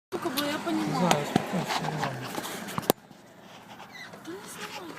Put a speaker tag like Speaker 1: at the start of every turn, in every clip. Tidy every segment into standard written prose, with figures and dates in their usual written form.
Speaker 1: Бо я понимаю.
Speaker 2: Знаю, спокойно, нормально.
Speaker 1: Та не знімай.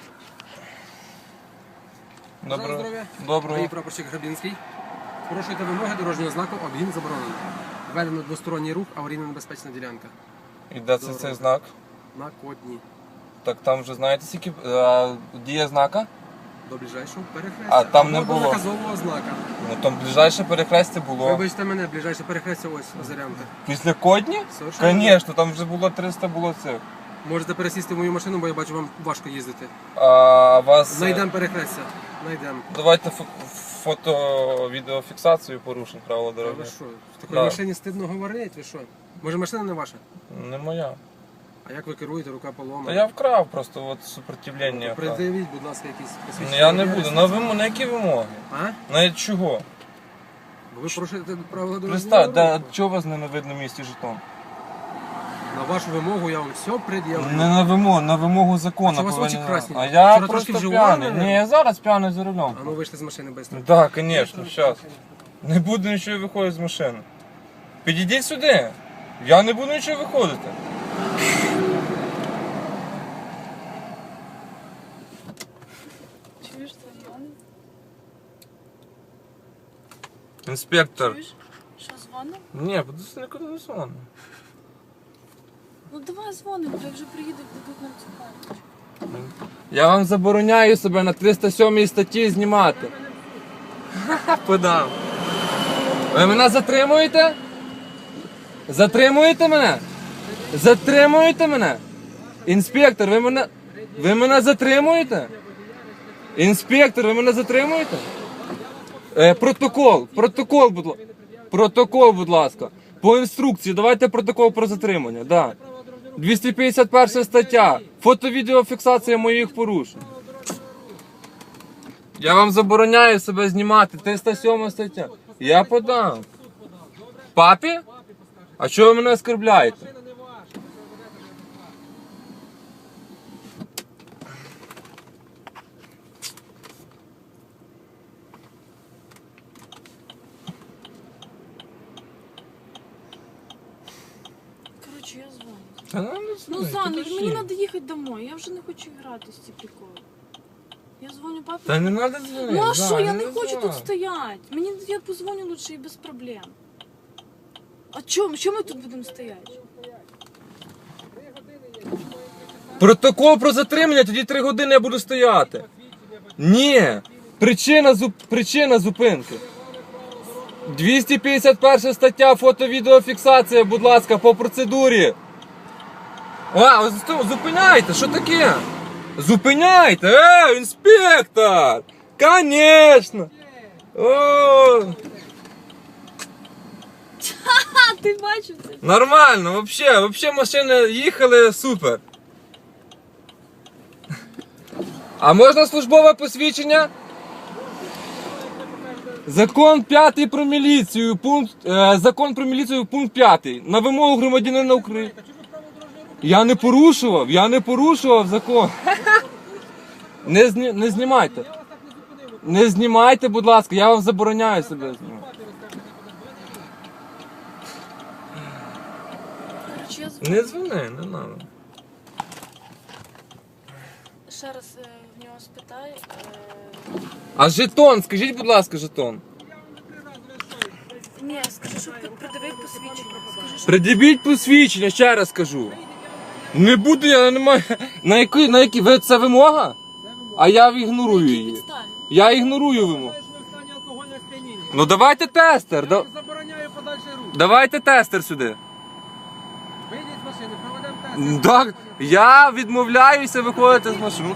Speaker 2: Доброго.
Speaker 3: Здоров'я.
Speaker 2: Доброго.
Speaker 3: Мій прапорщик Грабінський. Порушуєте вимоги дорожнього знаку, обгін заборонено. Введено двосторонній рух, аварійно-небезпечна ділянка.
Speaker 2: І де це цей знак?
Speaker 3: На Кодні.
Speaker 2: Так там вже знаєте, скільки дія знака?
Speaker 3: До ближайшого перехрестя.
Speaker 2: А, там
Speaker 3: Або
Speaker 2: не
Speaker 3: до
Speaker 2: було.
Speaker 3: наказового знака.
Speaker 2: Ну там ближайше перехрестя було.
Speaker 3: Вибачте мене, ближайше перехрестя ось Озерянка.
Speaker 2: Після Кодні?
Speaker 3: Совершенно.
Speaker 2: Звісно, там вже було 300 було цих.
Speaker 3: Можете пересісти в мою машину, бо я бачу, вам важко їздити.
Speaker 2: А вас...
Speaker 3: Знайдемо перехрестя. Знайдемо.
Speaker 2: Давайте фото-відеофіксацію порушень правила
Speaker 3: А
Speaker 2: дороги.
Speaker 3: ви що? В такій
Speaker 2: Да.
Speaker 3: машині стидно говорити, ви що? Може машина не ваша?
Speaker 2: Не моя.
Speaker 3: А як ви керуєте, рука поломана?
Speaker 2: Та я вкрав просто от супротивлення. вкрав.
Speaker 3: Придивіть, будь ласка, якісь
Speaker 2: Ну,
Speaker 3: посвідчення.
Speaker 2: я не буду. На які вимоги?
Speaker 3: А?
Speaker 2: На чого?
Speaker 3: Бо ви порушуєте правила дорожнього
Speaker 2: Представ,
Speaker 3: руху.
Speaker 2: да, чого у вас не на видному місці жетон?
Speaker 3: На вашу вимогу я вам все пред'явлю.
Speaker 2: Не на вимогу закону.
Speaker 3: А що у вас очі
Speaker 2: повинен-
Speaker 3: красні?
Speaker 2: А я
Speaker 3: Вчора
Speaker 2: просто
Speaker 3: трошки
Speaker 2: п'яний.
Speaker 3: вживали,
Speaker 2: Ні, я зараз п'яний за рулем.
Speaker 3: А ну вийшли з машини швидко.
Speaker 2: Так, звісно, зараз. Не буду нічого виходити з машини. Підійдіть сюди. Я не буду нічого виходити.
Speaker 1: Чуєш, це дзвонить?
Speaker 2: Інспектор.
Speaker 1: Чуєш? Що, дзвонив?
Speaker 2: Ні, буду нікуди не дзвоню.
Speaker 1: Ну давай дзвонимо, бо я вже приїду, дадуть нам цікавить.
Speaker 2: Я вам забороняю себе на 307 статті знімати. Подам. Ви мене затримуєте? Затримуєте мене? Затримуєте мене? Інспектор, ви мене затримуєте? Інспектор, ви мене затримуєте? Протокол, будь ласка. По інструкції, давайте протокол про затримання, да. 251 стаття. Фото-відеофіксація моїх порушень. Я вам забороняю себе знімати. 307 стаття. Я подам. Папі? А чого ви мене оскорбляєте?
Speaker 1: Коротше, я дзвоню.
Speaker 2: Та ну,
Speaker 1: Ну, Зан, мені треба їхати домой, я вже не хочу грати з ці приколи. Я дзвоню папі.
Speaker 2: Та не треба дзвонити.
Speaker 1: Ну а що, я не хочу тут стояти. Мені я позвоню лучше і без проблем. А чому? Чому ми тут будемо стояти?
Speaker 2: Протокол про затримання, тоді 3 години я буду стояти. Ні. Причина зупинки. 251 стаття, фото-відеофіксація, будь ласка, по процедурі. Зупиняйте, що таке? Зупиняйте, інспектор! Конечно! О,
Speaker 1: А, ти бачив це?
Speaker 2: нормально, вообще машини їхали супер. А можна службове посвідчення? Закон 5 про міліцію, закон про міліцію, пункт 5. На вимогу громадянина України. Я не порушував закон. Не знімайте. Не знімайте, будь ласка, я вам забороняю себе знімати.
Speaker 1: Коротше, я дзвоню.
Speaker 2: Не дзвони, не треба.
Speaker 1: Ще раз в нього спитай.
Speaker 2: А жетон, скажіть, будь ласка, жетон.
Speaker 1: Ні, скажи, що придивив посвідчення. Скажи, що...
Speaker 2: Придивіть посвідчення, ще раз кажу. Не буду, я не маю. На які? Це вимога? А я ігнорую
Speaker 1: Які
Speaker 2: її.
Speaker 1: підстави?
Speaker 2: Я ігнорую вимогу. Ну давайте тестер.
Speaker 3: Забороняю подальший рух.
Speaker 2: Давайте тестер сюди.
Speaker 3: Вийдіть з машини, проведемо тест.
Speaker 2: Так, я відмовляюся виходити з машини.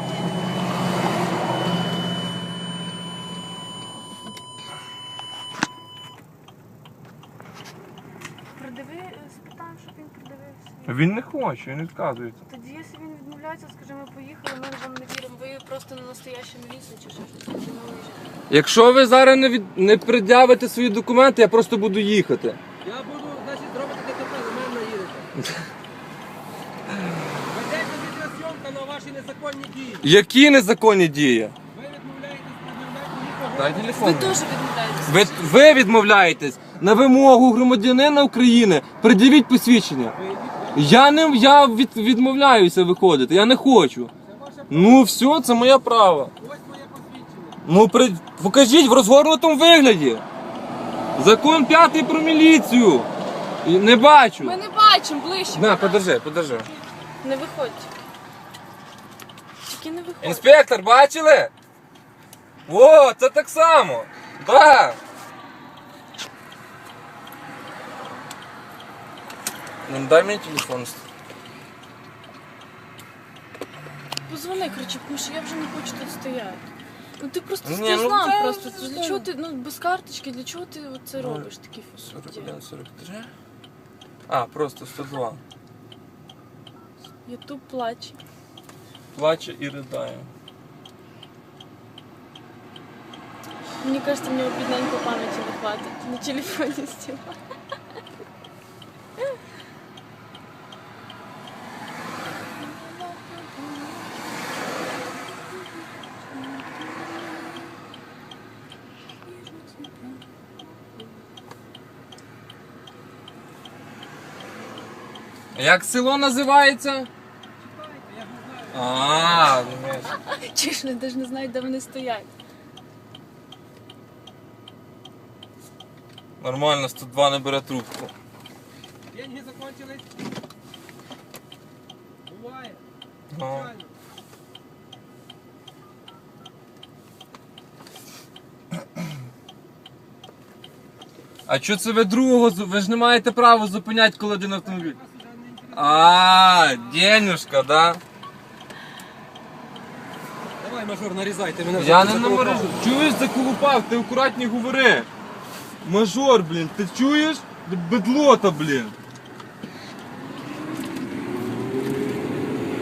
Speaker 1: Придиви, спитаємо, щоб він придивив свій.
Speaker 2: Він не хоче, він відказується.
Speaker 1: Тоді, якщо він відмовляється, скажи, ми поїхали, ми вам не віримо. Ви просто не настояща міліція чи що щось. Ми виїжджаємо.
Speaker 2: Якщо ви зараз не пред'явите свої документи, я просто буду їхати.
Speaker 3: Я буду, значить, зробити ДТП, ви мене наїдете. Ведеться відеозйомка на ваші незаконні дії.
Speaker 2: Які незаконні дії?
Speaker 3: Ви відмовляєтесь, пред'являєте нікого.
Speaker 2: Дай
Speaker 1: Ви
Speaker 2: телефон.
Speaker 1: теж відмовляєтеся.
Speaker 2: Ви відмовляєтесь. на вимогу громадянина України пред'явіть посвідчення. Я відмовляюся виходити, я не хочу. Ну все, це моє право.
Speaker 3: Ось моє посвідчення.
Speaker 2: Ну покажіть в розгорнутому вигляді. Закон 5 про міліцію. Не бачу.
Speaker 1: Ми не бачимо ближче.
Speaker 2: На, подержи.
Speaker 1: Не виходь. Тільки не виходь.
Speaker 2: Інспектор, бачили? О, це так само. Да. Ну, дай мені телефон.
Speaker 1: Позвони, коротше, тому що я вже не хочу тут стояти. Ну ти просто
Speaker 2: Ні,
Speaker 1: ти
Speaker 2: ну,
Speaker 1: знав
Speaker 2: це-
Speaker 1: просто.
Speaker 2: це-
Speaker 1: Для чого ти, ну без карточки, для чого ти це
Speaker 2: Ну,
Speaker 1: робиш такі
Speaker 2: 41, 43. А, просто 102.
Speaker 1: Ютуб плаче.
Speaker 2: Плаче і ридає.
Speaker 1: Мені кажется, мені бідненько пам'яті не хватить. На телефоні стіла.
Speaker 2: Як село називається? А, думаєш.
Speaker 1: Чи ж вони навіть не знають, де вони стоять.
Speaker 2: Нормально, 102 не бере трубку.
Speaker 3: Деньги закончились. Буває.
Speaker 2: Ну.
Speaker 3: Звичайно.
Speaker 2: А що це ви другого? Ви ж не маєте права зупиняти, коли один автомобіль. А, денюшка, да?
Speaker 3: Давай, мажор, нарізай, ти мене вже
Speaker 2: Я не
Speaker 3: заколупав.
Speaker 2: намережу. Чуєш, заколупав, ти акуратні говори. Мажор, блін, ти чуєш? Бедлота, блін.